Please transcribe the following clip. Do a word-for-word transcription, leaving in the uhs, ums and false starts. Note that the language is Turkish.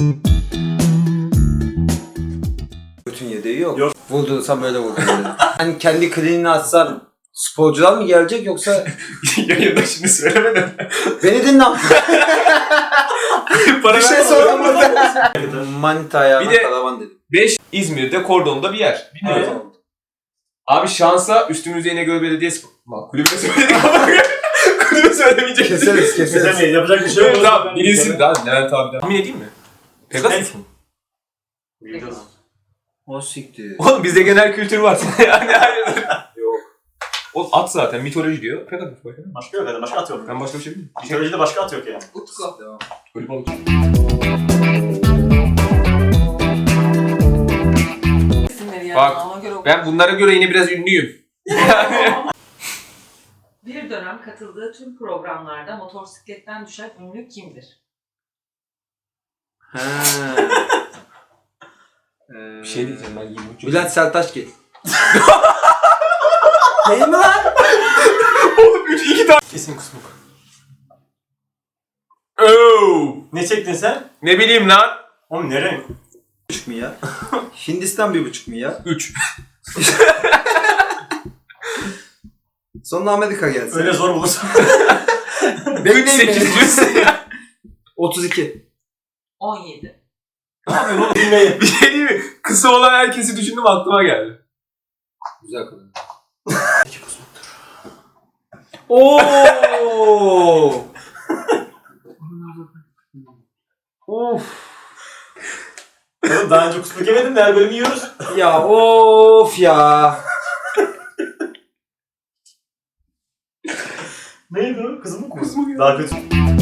Bütün yedeği yok. Yok. Vurdursam böyle vurdum. Hani kendi kliniğini açsan sporcular mı gelecek yoksa... Yayında şimdi söylemedim. Beni dinle. Para Bir şey verme. soramadım. Manita ayağına Bir de- karavan dedim. beş İzmir'de Kordon'da bir yer. Bilmiyorum. Evet. Abi şansa üstümüzde İnegöl Belediyesi... Bak kulübüne söyledik ama kulübü söylemeyecektik. Keseriz keseriz. Kesemeyiz. Yapacak bir şey Evet yok. tamam bilinsin daha Levent abiden. Tahmin edeyim mi? Pegasus mu? Bilmiyorum. O siktir. Oğlum bizde genel kültür var. Yani hayırdır. Yok. Oğlum at zaten mitoloji diyor. Pegasus başka ne? Başka yok yani. Başka at yok. Ben başka bir şey bilmiyorum. Mitolojide başka at yok yani. Utku. Devam. Ölü balık. İsimleri yani Bak, ona göre Ben bunlara göre yine biraz ünlüyüm. Bir dönem katıldığı tüm programlarda motosikletten düşen ünlü kimdir? He. Ee, Bir şey diyeceğim ben yirmi üç Bülent Sertaçgil. Değil mi lan? Oğlum üç iki tane. Kesin kusmuk. Oo. Ne çektin sen? Ne bileyim lan. Oğlum ne renk? Buçuk mu ya? Hindistan bir buçuk mu ya? üç. Sonra Amerika gelsin. Öyle zor bulursun. Benim üç sekiz yüz. otuz iki. on yedi. Ne yapıyorsun oğlum bilmeyin. Bir şey değil mi? Kısa olan herkesi düşündüm aklıma geldi. Güzel kadın. Oo! Of. Oğlum daha önce kusmuk yemedin de her bölümü yiyoruz. Ya of ya. Neydi o? Kızım mı? Kusmuk ya. Daha kötü.